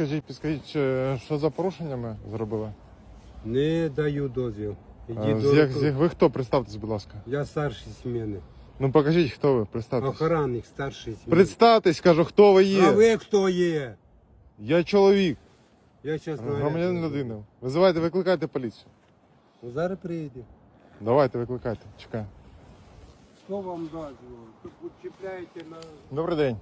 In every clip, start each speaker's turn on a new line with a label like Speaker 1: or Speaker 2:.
Speaker 1: підскажіть, що за порушення ми зробили?
Speaker 2: Не даю дозвіл.
Speaker 1: Ви хто? Представтесь, будь ласка.
Speaker 2: Я старший зміни.
Speaker 1: Ну покажіть, хто ви, представтесь.
Speaker 2: Охранник старший зміни.
Speaker 1: Представтесь, кажу, хто ви є.
Speaker 2: А ви хто є?
Speaker 1: Я чоловік,
Speaker 2: Я чесно
Speaker 1: громадянин людини. Визивайте, викликайте поліцію.
Speaker 2: Ну, зараз приїде.
Speaker 1: Давайте, викликайте, чекаю.
Speaker 2: Що вам дозвіл? Тут чіпляєте на...
Speaker 1: Добрий день.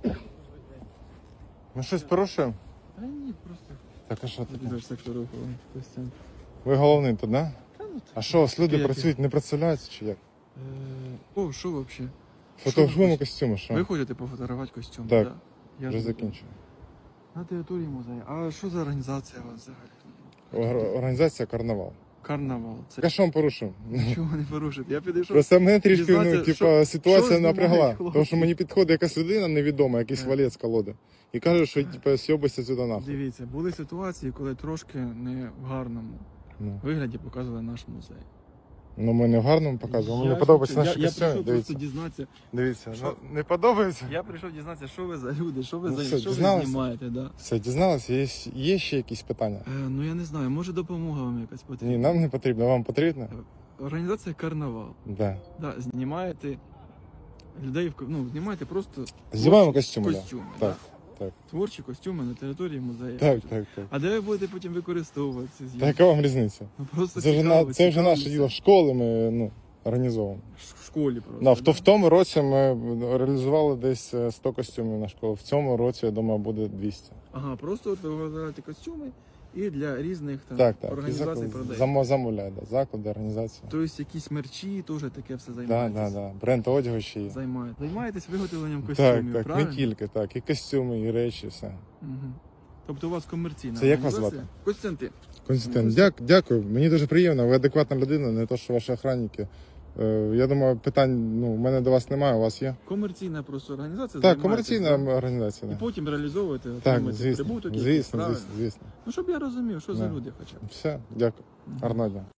Speaker 1: Ми щось порушуємо?
Speaker 3: Та ні, просто
Speaker 1: Так, а що таке?
Speaker 3: дуже сектор руху. Костян.
Speaker 1: Ви головний тут, да?
Speaker 3: Та ну
Speaker 1: А що, у вас люди
Speaker 3: Які?
Speaker 1: працюють, не представляються чи як?
Speaker 3: О, що взагалі?
Speaker 1: Фотографуємо костюми, що?
Speaker 3: Ви ходите пофотографувати костюм?
Speaker 1: Так.
Speaker 3: Да? Я
Speaker 1: Вже
Speaker 3: ж
Speaker 1: закінчую.
Speaker 3: на території музею. А що за організація у вас взагалі?
Speaker 1: Організація «Карнавал».
Speaker 3: Карнавал. Це
Speaker 1: Я що вам порушив?
Speaker 3: нічого не порушити. Я підійшов.
Speaker 1: Просто мене трішки,
Speaker 3: дізнатися,
Speaker 1: ситуація
Speaker 3: що
Speaker 1: напрягла.
Speaker 3: знімають хлопці.
Speaker 1: Тому що мені підходить якась людина невідома, якийсь валець колоди. І каже, що сьобися сюди нахуй.
Speaker 3: Дивіться, були ситуації, коли трошки не в гарному
Speaker 1: Ну.
Speaker 3: вигляді показували наш музей.
Speaker 1: Ну ми не в гарному показуємо. Мені
Speaker 3: Я
Speaker 1: подобається
Speaker 3: хочу-
Speaker 1: наші
Speaker 3: я
Speaker 1: костюми.
Speaker 3: прийшов просто
Speaker 1: Дивіться.
Speaker 3: дізнатися.
Speaker 1: Дивіться.
Speaker 3: Що?
Speaker 1: Ну, не подобається?
Speaker 3: Я прийшов дізнатися, що ви за люди, що ви
Speaker 1: Ну,
Speaker 3: за
Speaker 1: все,
Speaker 3: що ви
Speaker 1: дізналися?
Speaker 3: знімаєте, да?
Speaker 1: Все, дізналися? Є ще якісь питання?
Speaker 3: Ну я не знаю, може допомога вам якась потрібна.
Speaker 1: Ні, нам не потрібно. Вам потрібно?
Speaker 3: Організація «Карнавал».
Speaker 1: Да.
Speaker 3: Да, знімаєте людей, знімаєте просто
Speaker 1: Знімаємо
Speaker 3: творчі
Speaker 1: костюми, да.
Speaker 3: костюми,
Speaker 1: Так,
Speaker 3: да?
Speaker 1: так.
Speaker 3: Творчі костюми на території музею.
Speaker 1: Так.
Speaker 3: А де ви будете потім використовувати ці
Speaker 1: Та
Speaker 3: зйомки?
Speaker 1: яка вам різниця?
Speaker 3: Ну, просто
Speaker 1: Це вже,
Speaker 3: цікаво,
Speaker 1: це вже
Speaker 3: цікаво
Speaker 1: наше
Speaker 3: це.
Speaker 1: діло. В школи ми організовуємо.
Speaker 3: В школі просто.
Speaker 1: Да,
Speaker 3: да?
Speaker 1: в тому році ми реалізували десь 100 костюмів на школу. В цьому році, я думаю, буде 200.
Speaker 3: Ага, просто от ви вибираєте костюми і для різних там
Speaker 1: Так. І
Speaker 3: організацій продаєте.
Speaker 1: замовляють, да. Заклади, організації.
Speaker 3: Тобто якісь мерчі, теж таке все
Speaker 1: Так,
Speaker 3: займаєтесь?
Speaker 1: да. Бренд одягу ще є.
Speaker 3: Займаєтесь виготовленням
Speaker 1: Так,
Speaker 3: костюмів,
Speaker 1: так,
Speaker 3: правильно?
Speaker 1: не тільки, так. І костюми, і речі, все.
Speaker 3: Угу. Тобто у вас комерційна
Speaker 1: Це як вас
Speaker 3: організація?
Speaker 1: звати?
Speaker 3: Костянтин.
Speaker 1: Константин, дякую. Мені дуже приємно. Ви адекватна людина, не то, що ваші охранники. Я думаю, питань у мене до вас немає, у вас є?
Speaker 3: Комерційна просто організація.
Speaker 1: Так,
Speaker 3: займаєтесь,
Speaker 1: комерційна
Speaker 3: да?
Speaker 1: організація.
Speaker 3: І
Speaker 1: Да.
Speaker 3: потім реалізовуєте,
Speaker 1: Так,
Speaker 3: отримуєте
Speaker 1: звісно,
Speaker 3: прибуток. якийсь, правильно?
Speaker 1: звісно.
Speaker 3: Ну, щоб я розумів, що за
Speaker 1: Да.
Speaker 3: люди хоча б.
Speaker 1: Все, дякую. Гарного дня.